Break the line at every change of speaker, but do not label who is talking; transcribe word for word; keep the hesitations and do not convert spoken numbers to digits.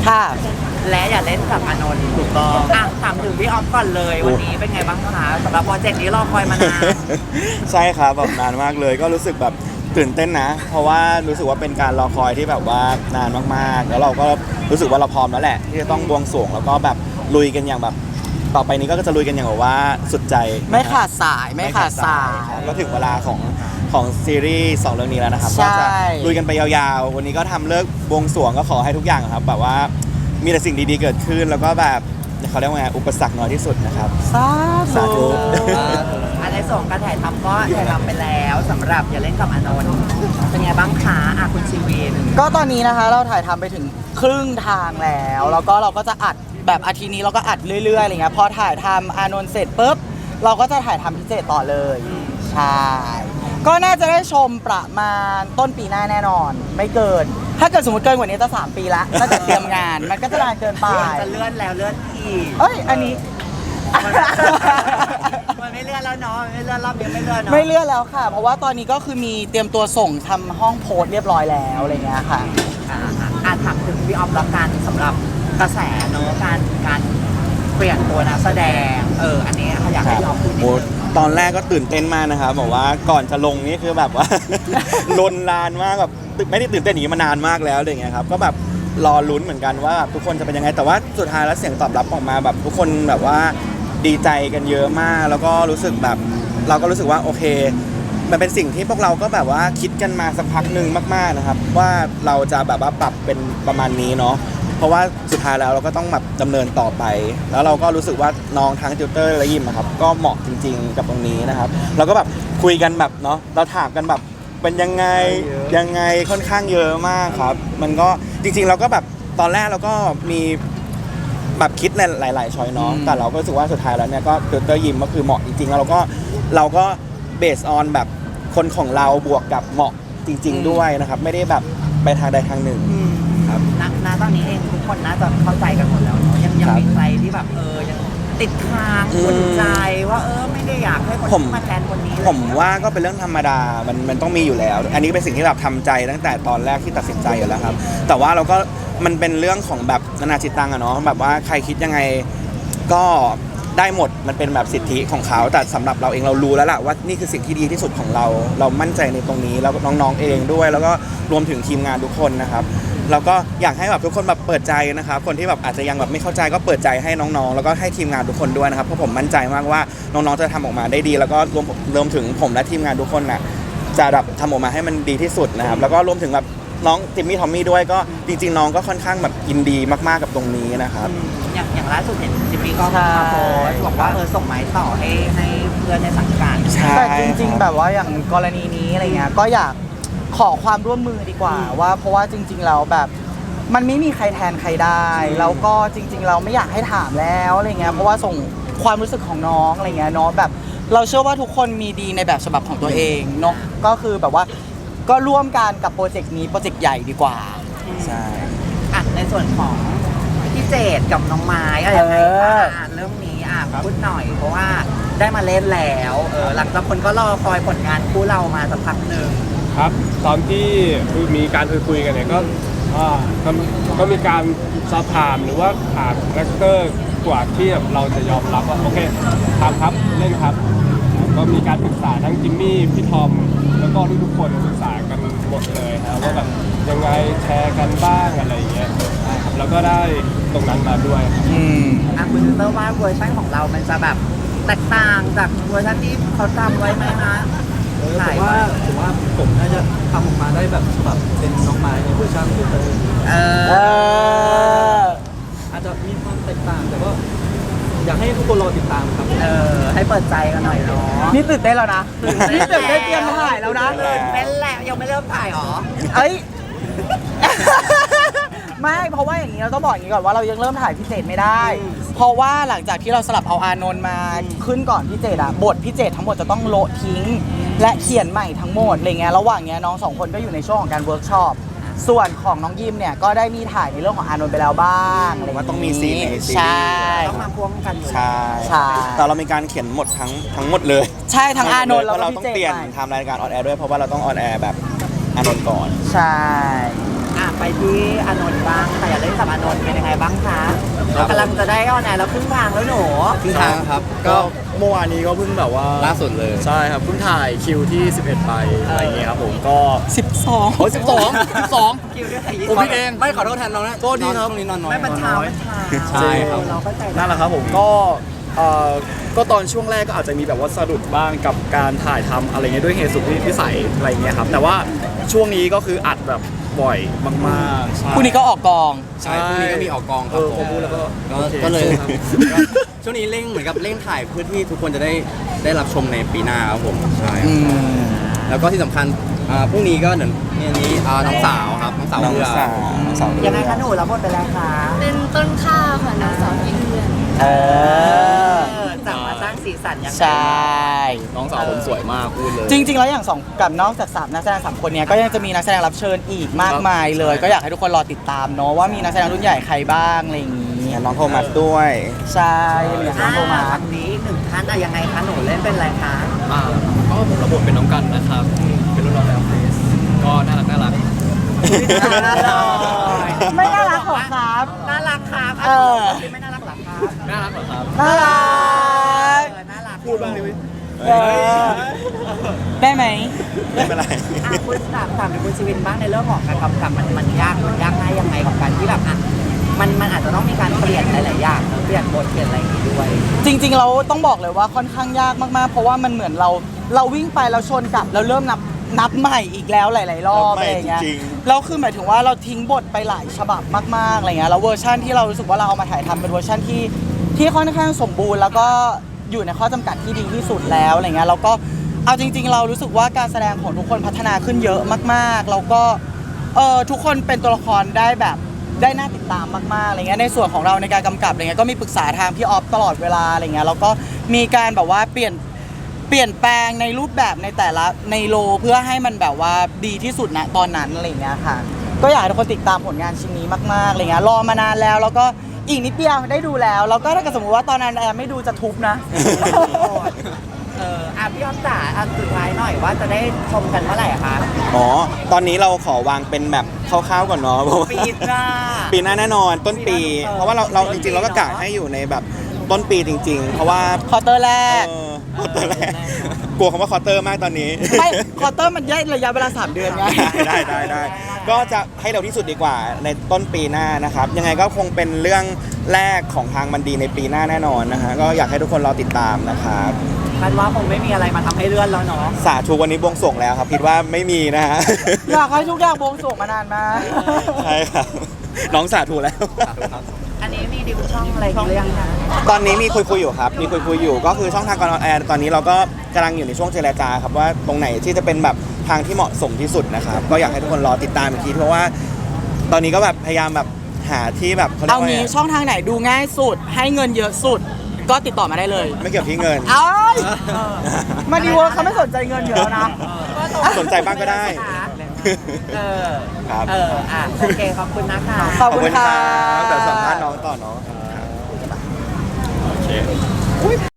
ค่ะ
และอย่าเล่นกับอานนท์ถูกต้องอ่ะถามถึงพี่ออฟก่อนเลยวันนี้เป็นไงบ้างคะสำหรับโปรเจกต์นี้รอคอยมานาน
ใช่ครับแบบนานมากเลยก็รู้สึกแบบตื่นเต้นนะ เพราะว่ารู้สึกว่าเป็นการรอคอยที่แบบว่านานมากๆแล้วเราก็รู้สึกว่าเราพร้อมแล้วแหละที่จะต้องบวงสรวงแล้วก็แบบลุยกันอย่างแบบต่อไปนี้ก็จะลุยกันอย่างแบบว่าสุดใจ
ไม่ขาดสายไม่ขาดสาย
ครับก็ถึงเวลาของของซีรีส์สองเรื่องนี้แล้วนะครับ
ใช่
ก็จะลุยกันไปยาวๆวันนี้ก็ทำเลิกบวงสรวงก็ขอให้ทุกอย่างครับแบบว่ามีแต่สิ่งดีๆเกิดขึ้นแล้วก็แบบเขาเรียกว่าไงอุปสรรคน้อยที่สุดนะครับ
สา
สาธุ
อันในส่วนการถ่ายทำก็ถ่ายทำไปแล้วสำหรับอย่าเล่นกับอานนท์เป็นไงบ้างคะอ่ะคุณชีวิน
ก็ตอนนี้นะคะเราถ่ายทำไปถึงครึ่งทางแล้ว แล้วก็เราก็จะอัดแบบอาทิตย์นี้เราก็อัดเรื่อยๆอะไรเงี้ยพอถ่ายทำอานนท์เสร็จปุ๊บเราก็จะถ่ายทำพิเศษต่อเลยใช่ก็น่าจะได้ชมประมาณต้นปีหน้าแน่นอน ไม่เกิน ถ้าเกิดสมมติเกินกว่านี้จะสามปีละน่าจะเตรียมงานมันก็จะนานเกินไป
จะเลื่อนแล้วเลื่อนอีก
เอ้ยอันนี้
มันไม่เลื่อนแล้วเนาะไม่เลื่อนรอบนี้ไม่เลื่อนเนาะ
ไม่เลื่อนแล้วค่ะ เพราะว่าตอนนี้ก็คือมีเตรียมตัวส่งทำห้องโพสต์เรียบร้อยแล้วอะไรเงี้ยค่ะ
อ่าอ่ะอ่ะถามถึงพี่ออฟละกันสำหรับกระแสเนาะการการเปลี่ยนตัวนักแสดงเอออันนี้อยากให้พี่ออฟพูดนิด
โอ้
นึง
ตอนแรกก็ตื่นเต้นมากนะครับบอกว่าก่อนจะลงนี่คือแบบว่า ลนลานมากแบบไม่ได้ตื่นเต้นอย่างนี้มานานมากแล้วอะไรเงี้ยครับก็แบบรอลุ้นเหมือนกันว่าทุกคนจะเป็นยังไงแต่ว่าสุดท้ายแล้วเสียงตอบรับออกมาแบบทุกคนแบบว่าดีใจกันเยอะมาก แล้วก็รู้สึกแบบเราก็รู้สึกว่าโอเค มันเป็นสิ่งที่พวกเราก็แบบว่าคิดกันมาสักพักหนึ่งมากๆนะครับว่าเราจะแบบว่าปรับเป็นประมาณนี้เนาะเพราะว่าสุดท้ายแล้วเราก็ต้องแบบดำเนินต่อไป แล้วเราก็รู้สึกว่าน้องทั้งติวเตอร์และยิมอะครับก็เหมาะจริงๆกับตรงนี้นะครับเราก็แบบคุยกันแบบเนาะเราถามกันแบบเป็นยังไงยังไงค่อนข้างเยอะมากครับมันก็จริงๆเราก็แบบตอนแรกเราก็มีแบบคิดในหลายๆช้อยเนาะแต่เราก็รู้สึกว่าสุดท้ายแล้วเนี่ยก็ติวเตอร์ยิมก็คือเหมาะจริงๆแล้วเราก็เราก็เบสออนแบบคนของเราบวกกับเหมาะจริง ๆด้วยนะครับไม่ได้แบบไปทางใดทางหนึ่งครับ
ณณตอนนี้เองทุกคนน่าจะเข้าใจกันหมดแล้วเนาะยังยัง
ครับ
มีใครที่แบบเออยังติดค้าง
อืม
ขุ่นใจว่าเออไม่ได้อยากให้คน
ผม
ที่มาแทนคนนี้
ผมว่าก็เป็นเรื่องธรรมดา มันมันต้องมีอยู่แล้ว อันนี้เป็นสิ่งที่แบบทำใจตั้งแต่ตอนแรกที่ตัดสินใจอยู่แล้วครับ แต่ว่าเราก็มันเป็นเรื่องของแบบนานาจิตตังอะเนาะ แบบว่าใครคิดยังไงก็ได้หมด มันเป็นแบบสิทธิของเขา แต่สำหรับเราเองเรารู้แล้วล่ะว่านี่คือสิ่งที่ดีที่สุดของเรา เรามั่นใจในตรงนี้ แล้วน้องๆเองด้วย แล้วก็รวมถึงทีมงานทุกคนนะครับ แล้วก็อยากให้แบบทุกคนแบบเปิดใจนะครับ คนที่แบบอาจจะยังแบบไม่เข้าใจก็เปิดใจให้น้องๆ แล้วก็ให้ทีมงานทุกคนด้วยนะครับ เพราะผมมั่นใจมากว่าน้องๆ จะทำออกมาได้ดี แล้วก็รวมรวมถึงผมและทีมงานทุกคนน่ะจะแบบทำออกมาให้มันดีที่สุดนะครับ แล้วก็รวมถึงแบบน้องจิมมี่ทอมมี่ด้วยก็จริงๆน้องก็ค่อนข้างแบบยินดีมากๆกับตรงนี้นะครับ
อย่างอย่างล่าสุดเห็นจิมมี่ก็
ใช่
มาโพสต์บอกว่าเออส่งไม้ต่อให้ให้เพื่อนในสังกัด
ใช่
แต่จริงๆ แบบว่าอย่างกรณีนี้อะไรเงี้ยก็อยากขอความร่วมมือดีกว่าว่าเพราะว่าจริงๆแล้วแบบมันไม่มีใครแทนใครได้ แล้วก็จริงๆเราไม่อยากให้ถามแล้วอะไรเงี้ยเพราะว่าส่งความรู้สึกของน้องอะไรเงี้ยเนาะแบบเราเชื่อว่าทุกคนมีดีในแบบฉบับของตัวเองเนาะก็คือแบบว่าก็ร่วมกันกับโปรเจกต์นี้โปรเจกต์ใหญ่ดีกว่า
ใช่
อ่ะในส่วนของพี่เจดกับน้องไม้อะไรยังไง
เออ
คะอ่ะเรื่องนี้อ่ะพูดหน่อย เพราะว่าได้มาเล่นแล้วเออหลังจากคนก็รอคอยผลงานคู่เรามาสักพักหนึ่ง
ครับตอนที่มีการคุยคุยๆกันเนี่ยก็อ่าก็ก็มีการสอบถามหรือว่าถามคาแรคเตอร์กว่าที่แบบเราจะยอมรับว่าโอเคทำครับเล่นครับ ก็มีการปรึกษาทั้งจิมมี่พี่ทอมแล้วก็ทุกๆคนปรึกษากันหมดเลยครับว่าแบบยังไงแชร์กันบ้างอะไรอย่างเงี้ยครับแล้วก็ได้ตรงนั้นมาด้วยครับ
อืม
อ่ะคุณยูเตอร์ว่าเวอร์ชันของเรามันจะแบบแตกต่างจากเวอร์ชันที่เขาทำไว้ไหมคะ
ผมว่าผมว่าผมน่าจะทำออกมาได้แบบแบบเป็นน้องไม้ในเวอร์ชันฟิลเตอร์
เอ
เอ
อ
อ
อาจจะมีความแตกต่างแต่ก็อยากให้ทุกคนรอติดตามครับ
เออให้เปิดใจกันหน่อยเนาะ
นี่ตื่นเต้นแล้วนะนี่ตื่นเต้นเตรียมถ่ายแล้วนะ
ตื่นเต้นแล้วยังไม่เริ่มถ่ายหรอ
เอ้ย ไม่เพราะว่าอย่างนี้เราต้องบอกอย่างนี้ก่อนว่าเรายังเริ่มถ่ายพิเศษไม่ได้ เพราะว่าหลังจากที่เราสลับเอาอานนท์มาขึ้นก่อนพิเศษอะบทพิเศษทั้งหมดจะต้องโละทิ้ง และเขียนใหม่ทั้งหมดอะไรเงี้ยระหว่างเนี้ยน้องสองคนก็อยู่ในช่วงของการเวิร์กช็อปส่วนของน้องยิมเนี่ยก็ได้มีถ่ายในเรื่องของอานนท์ไปแล้วบ้างอะไรย่
ว่าต้องมีซีนในซีรีส์
ใช่
ต้องมาพ่วงกันอยู่
ใช่
ใช่
แต่เรามีการเขียนหมดทั้งทั้งหมดเลย
ใช่ทั้งอานนท์
เพ
แล้ว
ราะ
ก็
เรา
พิ
ต้อง
เศษ
เปลี่ยน
ใหม่
ไทม์รายการออนแอร์ด้วยเพราะว่าเราต้องออนแอร์แบบอานนท์ก่อน
ใช่
อ่ะไปที่อานนท์บ้างค่ะอยากเล่นกับอานนท์เป็นยังไงบ้างคะกำลังจะได้ออนแอร์แล้วครึ่งทางแล้วหนู
ครึ่งทางครับ
ก็
ก็
เมื่อวานนี้ก็เพิ่งแบบว่า
ล่าสุดเลย
ใช่ครับเพิ่งถ่ายคิวที่สิบเอ็ดไปอะไรอย่างเงี้ยครับผมก็
สิบสอง
โอ้ยสิบสองสิบสอง
คิวด้วยใคร
ผมพี่เอง
ไม่ขอโทษแทนน้องนะ
โทษดีครับ
ช่วงนี้นอนน้อย
ไม่มันเช้ามันเช้า
ใช่ครับ
เราเข้าใจ
นั่นแหละครับผมก็เอ่อก็ตอนช่วงแรกก็อาจจะมีแบบว่าสะดุดบ้างกับการถ่ายทำอะไรเงี้ยด้วยเหตุสุดวิสัยอะไรเงี้ยครับแต่ว่าช่วงนี้ก็คืออัดแบบบ่อยมากๆใช่
พรุ่งนี้ก็ออกกอง
ใช่พรุ่งนี้ก็มีออกกองค
เอ
รับ
อ
ผ
พอ
ม
พูดแล้วก็
ก็
โอเค
ก็เลย
ครับ
ก็ช่วงนี้เร่งเหมือนกับเร่งถ่ายเพื่อที่ทุกคนจะได้ได้รับชมในปีหน้าครับผมใช่
อืม
แล้วก็ที่สำคัญอ่าพรุ่งนี้ก็เดี๋ยวนี่อันนี้อ่าน้องสาวครับน้องสาว
น้อง
เรือ
สาวน้องสาว
ยังไงคะหนูรับบทเป็นอะไรคะ
เป็นต้นข้าวค่ะนางสาวพี่เพื่อน
เออ
เออจับมาสร้างสีสันยังไง
ใช่
น้องสาวผมสวยมากพูดเลย
จริง ๆ แล้วอย่างสองกับนอกจากสามนักแสดงสามคนเนี้ยก็ยังจะมีนักแสดงรับเชิญอีกมากมายเลย ก็อยากให้ทุกคนรอติดตามเนาะว่ามีนักแสดงรุ่นใหญ่ใครบ้างอะไรอย่างงี้
น้องโทมัสด้วย
ใช่อย่างน้องโทมั
อ่า
ส
ฝั่งนี้อีกหนึ่งท่านอะยังไงคะหนูเล่นเป็นอะไรคะ
อ่าก็ผมรับบทเป็นน้องกันนะครับเป็นรุ่นน้องแล้วเฟสก็น่ารักน่ารัก
น่ารัก
ไม่น่ารักหรอครับ
น่ารักครับ
เออ
ที่ไม่น่ารักหรอครับ
น่ารักเหรอครับ
น่ารัก
เออน่ารัก
พูดบ้างดิวิ
เออได้ไหม
ไม่เป็นไร
อ่ะคุณถามถามถึงคุณชีวินบ้างในเรื่องของการกำกับมันมันยากมันยากง่ายยังไงกับการที่แบบอ่ะมันมันอาจจะต้องมีการเปลี่ยนหลายๆอย่างเนอะเปลี่ยนบทเปลี่ยนอะไรอย่างงี้ด้วย
จริงๆเราต้องบอกเลยว่าค่อนข้างยากมากๆ เพราะว่ามันเหมือนเราเราวิ่งไปเราชนกลับเราเริ่มนับนับใหม่อีกแล้วหลาย ๆ รอบ
นับใหม่
อะไรอย่างเงี้ย
จริง
แล้วคือหมายถึงว่าเราทิ้งบทไปหลายฉบับมากๆอะไรเงี้ยแล้วเวอร์ชันที่เรารู้สึกว่าเราเอามาถ่ายทำเป็นเวอร์ชันที่ที่ค่อนข้างสมบูรณ์ แล้วก็อยู่ในข้อจำกัดที่ดีที่สุดแล้วอะไรเงี้ยแล้วก็เอาจริง ๆ เรารู้สึกว่าการแสดงของทุกคนพัฒนาขึ้นเยอะมากๆแล้วก็เออทุกคนเป็นตัวละครได้แบบได้น่าติดตามมากๆอะไรเงี้ยในส่วนของเราในการกำกับอะไรเงี้ยก็มีปรึกษาทางพี่ออฟตลอดเวลาอะไรเงี้ยแล้วก็มีการแบบว่าเปลี่ยน เปลี่ยนแปลงในรูปแบบในแต่ละในโลเพื่อให้มันแบบว่าดีที่สุดณตอนนั้นอะไรอย่างเงี้ยค่ะก็อยากให้ทุกคนติดตามผลงานชิ้นนี้มากๆอะไรเงี้ยรอมานานแล้วแล้วก็อีกนิดเดียวได้ดูแล้วแล้วก็ถ้าเกิดสมมติว่าตอนนั้นแอร์ไม่ดูจะทุบนะ
เอออ่ะพี่อ้อมจ๋าอ่ะสุดท้ายหน่อยว่าจะได้ชมกันเมื่อไหร่อะคะ
อ๋อ ตอนนี้เราขอวางเป็นแบบคร่าวๆก่อนเนาะเพราะว่า
ปีหน้า
ปีหน้าแน่นอนต้นปี
ปีหน้า
เพราะว่าเราเรา
ต้
จ
นปี
ริงๆเราก็กะ
เนอะ
ให้อยู่ในแบบต้นปีจริง ๆ เพราะว่า
คอร์เตอร์แร
เอก อคอร์เตอร์แรกกลัวคำว่าคอร์เตอร์มากตอนนี้
ไม่คอร์เตอร์มันย่อยระยะเวลาสามเดือนไง
ได้ได้ได้ก็จะให้เร็วที่สุดดีกว่าในต้นปีหน้านะครับ ยังไงก็คงเป็นเรื่องแรกของทางมันดีในปีหน้าแน่นอนนะฮะก็อยากให้ทุกคนรอติดตามนะครับ
คาดว่าคงไม่มีอะไรมาทำให้เลื่อนแล้วเนาะ
สาธุวันนี้บวงสรวงแล้วครับคิดว่าไม่มีนะฮะ
อยากให้ทุกอย่างบวงสรวงมานานมาก
ใช่ครับน้องสาธุแล้ว
อันนี้มีดิวช่องอะไรหรือยังคะ
ตอนนี้มีคุยคุยๆอยู่ครับ มีคุยคุยๆอยู่ก็คือช่องทางการออนแอร์ตอนนี้เราก็กำลังอยู่ในช่วงเจรจาครับว่าตรงไหนที่จะเป็นแบบทางที่เหมาะสมที่สุดนะครับก็อยากให้ทุกคนรอติดตามอีกทีเพราะว่า ตอนนี้ก็แบบพยายามแบบหาที่แบบเขาเรีย
เอา
กว่าไง
งี้
อะ
ช่องทางไหนดูง่ายสุด ให้เงินเยอะสุด ก็ติดต่อมาได้เลย
ไม่เกี่ยวที่เงิน
เอ้ยมาดีเวิร์คเขาไม่สนใจเงินอยู่แล้วนะ
สนใจบ้างก็ได้
เออ
ครับ
เอออ่ะโอเคขอบคุณนะคะ
ขอบคุณค่ะ
แต่สัมภาษณ์น้องต่อเนาะ